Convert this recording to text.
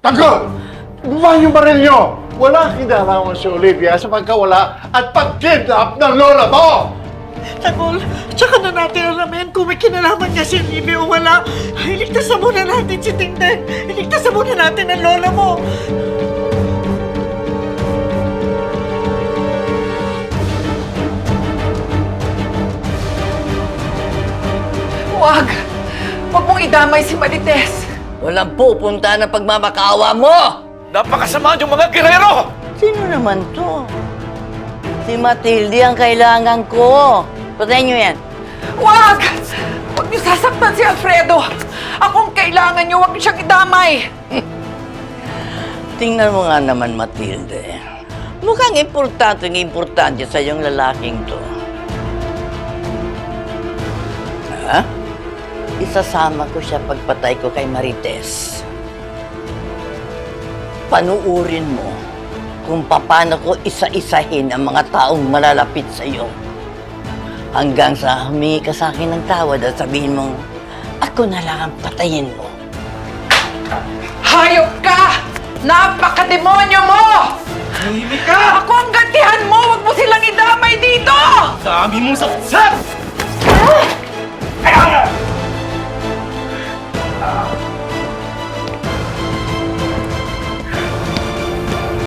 Tanggol! Bumahan yung baril nyo! Wala kinalaman si Olivia sa pagkawala at pag-kidnap ng lola mo! Tanggol, tsaka na natin alamin kung may kinalaman niya si Libby o wala. Iligtasan muna natin si Tingteng. Iligtasan muna natin ang lola mo. Huwag! Huwag mong idamay si Marites! Walang pupunta na pagmamakaawa mo! Napakasama yung mga gerero! Sino naman to? Si Matilde ang kailangan ko. Patayin niyo yan. Huwag! Huwag niyo sasaktan si Alfredo! Akong kailangan niyo, huwag niyo siyang idamay! Tingnan mo nga naman, Matilde. Mukhang importante sa yung lalaking to. Ha? Isasama ko siya pagpatay ko kay Marites. Panuurin mo kung paano ko isa-isahin ang mga taong malalapit sa iyo. Hanggang sa humingi ka sa akin ng tawad at sabihin mong, ako na lang ang patayin mo. Hayop ka! Napakademonyo mo! Tahimik ka! Ako ang gantihan mo! Huwag mo silang idamay dito! Dami mong sapsap!